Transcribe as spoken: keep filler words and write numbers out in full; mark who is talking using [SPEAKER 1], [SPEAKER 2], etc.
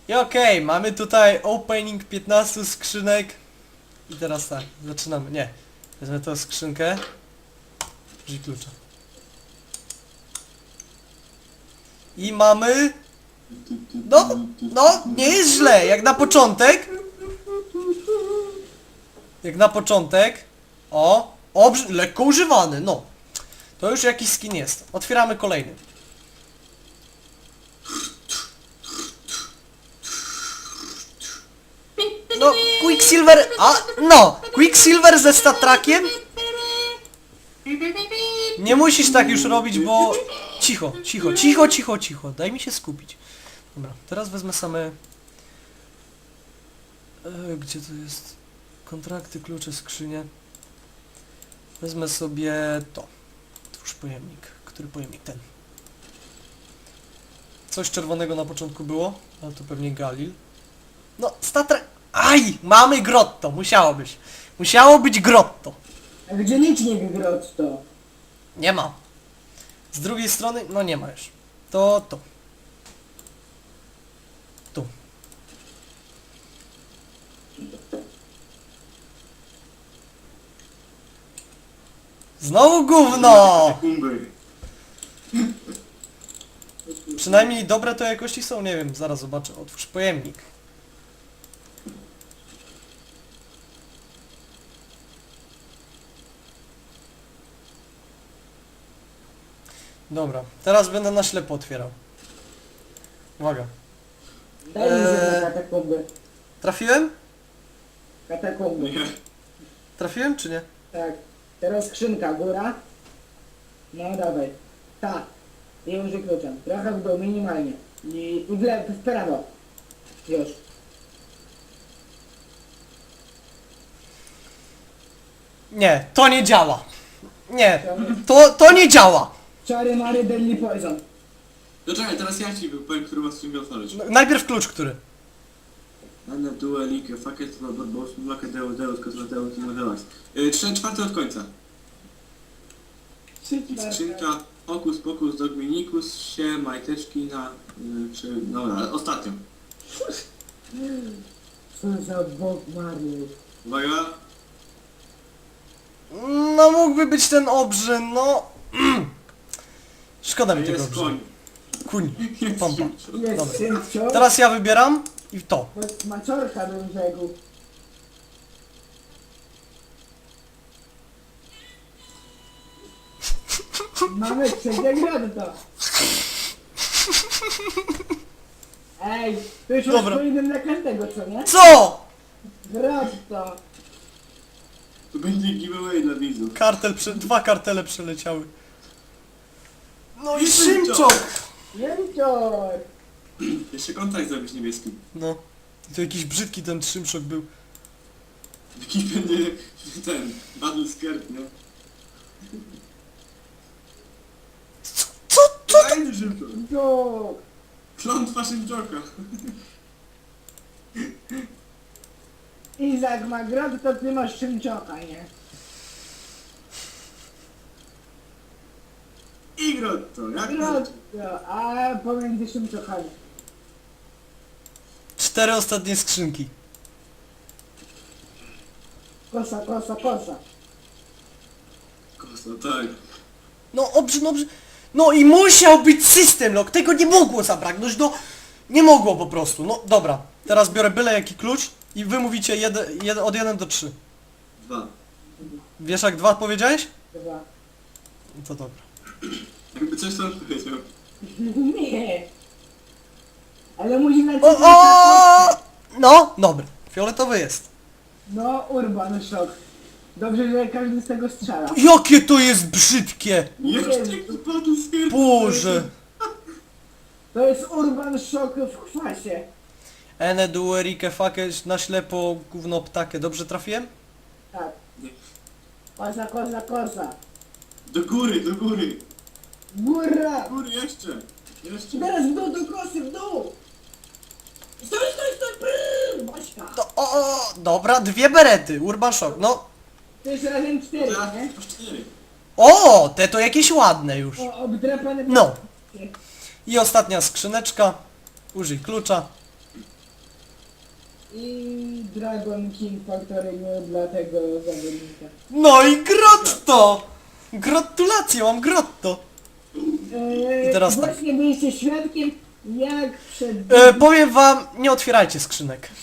[SPEAKER 1] I okej, okay, mamy tutaj opening piętnastu skrzynek. I teraz tak, zaczynamy. Nie, wezmę tą skrzynkę. Użyj klucza. I mamy... No, no, nie jest źle, jak na początek. Jak na początek. O, obrzy... lekko używany, no. To już jakiś skin jest. Otwieramy kolejny. No, Quicksilver, a, no, Quicksilver ze statrakiem. Nie musisz tak już robić, bo... Cicho, cicho, cicho, cicho, cicho, daj mi się skupić. Dobra, teraz wezmę same... E, gdzie to jest? Kontrakty, klucze, skrzynie. Wezmę sobie to. Twórz pojemnik. Który pojemnik? Ten. Coś czerwonego na początku było, ale to pewnie Galil. No, statra... Aj! Mamy grotto! Musiało być. Musiało być grotto.
[SPEAKER 2] A gdzie licznik grotto?
[SPEAKER 1] Nie ma. Z drugiej strony, no nie ma już. To to. Tu. Znowu gówno!
[SPEAKER 3] Sekundy.
[SPEAKER 1] Przynajmniej dobre to jakości są, nie wiem, zaraz zobaczę. Otwórz pojemnik. Dobra, teraz będę na ślepo otwierał. Uwaga.
[SPEAKER 2] Daj mi
[SPEAKER 1] Eee.
[SPEAKER 2] eee... katakomby.
[SPEAKER 1] Trafiłem?
[SPEAKER 2] Katakomby.
[SPEAKER 3] Nie.
[SPEAKER 1] Trafiłem czy nie?
[SPEAKER 2] Tak. Teraz skrzynka, góra. No dawaj. Tak. I użyj kluczem. Trochę w dół, minimalnie. I, i w lewo, w prawo. Już.
[SPEAKER 1] Nie, to nie działa. Nie, to, to nie działa.
[SPEAKER 2] Czary mary deadly poison.
[SPEAKER 3] No czekaj, teraz ja ci powiem, który was chciał otworzyć.
[SPEAKER 1] No, najpierw klucz, który?
[SPEAKER 3] Anna Dua Like, Faket, Barbaros, Mlaka, Deus, Deus, Kozmateusz i Modelas. Trzy czwarte od końca. Skrzynka, Hokus Pokus, Dogminikus, się, majteczki na... Yy, czy, dobra, ostatnio.
[SPEAKER 2] Co za bog marny.
[SPEAKER 3] Uwaga.
[SPEAKER 1] No mógłby być ten obrzyn, no... Szkoda mi tego
[SPEAKER 3] Jest koń.
[SPEAKER 1] obrzyn. Kuń,
[SPEAKER 3] Jest
[SPEAKER 1] pompa.
[SPEAKER 3] szybko.
[SPEAKER 2] Jest
[SPEAKER 1] Dobra.
[SPEAKER 2] szybcior.
[SPEAKER 1] Teraz ja wybieram i to.
[SPEAKER 2] Choć maciorka bym rzekł. Mamy trzecie grotto. Ej, to już masz
[SPEAKER 1] Dobra.
[SPEAKER 2] po innym na każdego, co nie?
[SPEAKER 1] Co?
[SPEAKER 2] Grotto.
[SPEAKER 3] To będzie giveaway dla widzów.
[SPEAKER 1] Kartel, prze... dwa kartele przeleciały. No i
[SPEAKER 3] I
[SPEAKER 1] Szymczok!
[SPEAKER 2] Jęcior.
[SPEAKER 3] Jeszcze kontakt zrobić niebieski.
[SPEAKER 1] No. I to jakiś brzydki ten Szymczok był.
[SPEAKER 3] Jaki będzie ten, battle skirt, nie?
[SPEAKER 1] Co? Co? Co?
[SPEAKER 3] Fajny szybko.
[SPEAKER 2] Jok.
[SPEAKER 3] Klątwa Szymczoka.
[SPEAKER 2] Izak ma grotto, to ty masz Szymczoka, nie?
[SPEAKER 3] I grotto, jak
[SPEAKER 2] Grotto, a pomiędzy Szymczokami.
[SPEAKER 1] Cztery ostatnie skrzynki.
[SPEAKER 2] Kosa, kosa, kosa.
[SPEAKER 3] Kosa, tak.
[SPEAKER 1] No obrzyn, obrzyn. No i musiał być system lock, tego nie mogło zabraknąć, no nie mogło po prostu, no dobra. Teraz biorę byle jaki klucz i wy mówicie jeden, jeden, od jeden do trzy.
[SPEAKER 3] Dwa.
[SPEAKER 1] Wiesz jak dwa powiedziałeś?
[SPEAKER 2] Chyba.
[SPEAKER 1] No to dobra.
[SPEAKER 3] Jakby coś tam powiedział.
[SPEAKER 2] Nie. Ale musi na
[SPEAKER 1] O, o! No, dobry. Fioletowy jest.
[SPEAKER 2] No, Urban Shock. Dobrze, że każdy z tego strzela.
[SPEAKER 1] Jakie to jest brzydkie!
[SPEAKER 3] Jeszcze jaki battle skirt.
[SPEAKER 1] Boże!
[SPEAKER 2] To jest Urban Shock w kwasie.
[SPEAKER 1] Ene duerike fake na ślepo gówno ptakę. Dobrze trafiłem?
[SPEAKER 2] Tak.
[SPEAKER 3] Nie.
[SPEAKER 2] Kosa, kosa, kosa.
[SPEAKER 3] Do góry, do góry.
[SPEAKER 2] Góra!
[SPEAKER 3] Do góry jeszcze. Jeszcze.
[SPEAKER 2] Teraz w dół, do kosy, w dół! Stój, stój, stój! Brrr, Baśka!
[SPEAKER 1] To, o, o, dobra, dwie berety. Urban Shock, no.
[SPEAKER 2] To jest razem cztery,
[SPEAKER 3] Teraz
[SPEAKER 2] nie?
[SPEAKER 3] aż cztery.
[SPEAKER 1] O, te to jakieś ładne już.
[SPEAKER 2] O, obdrapane...
[SPEAKER 1] No. I ostatnia skrzyneczka. Użyj klucza.
[SPEAKER 2] I Dragon King Factory New dla tego zawodnika.
[SPEAKER 1] No i grotto! Gratulacje, mam grotto!
[SPEAKER 2] Eee,
[SPEAKER 1] I teraz tak.
[SPEAKER 2] właśnie byliście świadkiem, jak przed...
[SPEAKER 1] E, powiem wam, nie otwierajcie skrzynek.